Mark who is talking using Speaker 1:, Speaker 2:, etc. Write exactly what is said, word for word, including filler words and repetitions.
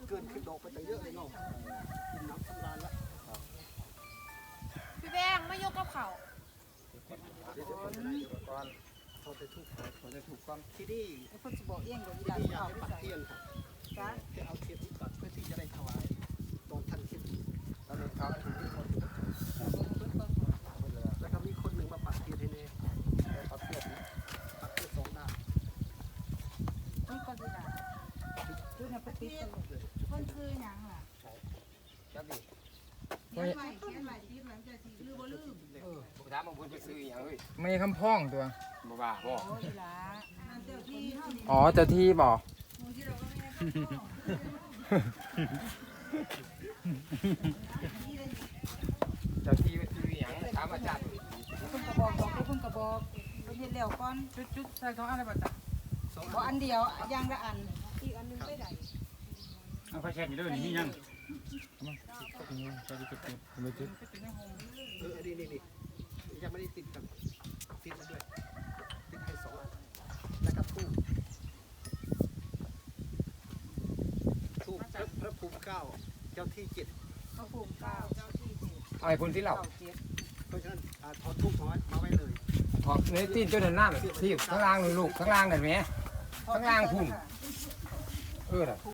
Speaker 1: เกินขึ้นดอกไปแต่เยอะเลยเนาะกินน้ำสำราญละ
Speaker 2: พี่แบงไม่ยกกับเขา
Speaker 1: เดี๋ยวจะคนจะได้ก่อนพอจะถูกพอจะถูกความที่นี่
Speaker 3: ไอ้คนสิบอกเองว่าอี
Speaker 1: ที่
Speaker 3: หลาน
Speaker 1: นี่อยาก
Speaker 3: เอา
Speaker 1: ให้
Speaker 3: ไป
Speaker 1: ปัก
Speaker 3: ใส่
Speaker 1: เทียนครับ
Speaker 3: จ้า
Speaker 1: จะเอาเทียนที่ปักเพื่อที่จะได้ถวายตอนท่านคิดแล้วเราทำถึงที่คนแล้วก็มีคนหนึ่งมาปักเทียนให้เน่ปักเทียนปักเทียนสองด้าน
Speaker 3: นี่ก็สิล่ะดูน่ะปฏิกันคนคือหยังล่ะ
Speaker 1: จับดิ
Speaker 3: เขียนไว้เขียนไว้ติดไว้จะสิลืมบ่ลืม
Speaker 1: เออถามบางคนไปซื้ออย่างเฮ้ย
Speaker 4: ไม่คำพ้องตัว
Speaker 1: บ่ว่าบ่
Speaker 3: โอ้ยล่ะนั่นเจ้าที่เฮานี่
Speaker 4: อ๋อเจ้าที่บอก
Speaker 3: หมู่ที่เราก็ไม่ได้เข้า
Speaker 4: เจ้าที่ว่าชื่อหยังถามอาจารย์
Speaker 3: เพิ่นก็บอกบอกเพิ่นก็บอกเพิ่นเฮ็ดแล้วก่อน
Speaker 4: จุดจุดใส่ท้องอะไรบ้างจ๊ะ
Speaker 1: สอง
Speaker 3: บ่อันเดียวอย่างละอันอีกอันนึงไปได้
Speaker 5: เอาไฟแช็กอยู่ด้วยนี่ยัง
Speaker 4: ไม่จุด
Speaker 1: เออนี่นี่นี่ยังไม่ได้ติดกันติดแล้วด้วยติดให้สองอันแล้วก็ทูบทูบพระภูมิเก้าเจ้าที่เจ็ด
Speaker 3: พระภูมิเก้าเจ้าที่เจ็ด
Speaker 4: เอาไอ้คนที่เล่า
Speaker 3: เก้าเจ็ด
Speaker 1: เพราะฉะนั้นอ่าถอดทูบถอดมาไว้เลย
Speaker 4: ถอดเนื้อตีนจนเดินหน้าที่ข้างล่างลูกข้างล่างนั่นไหมข้างล่างพุ่นเออน่ะ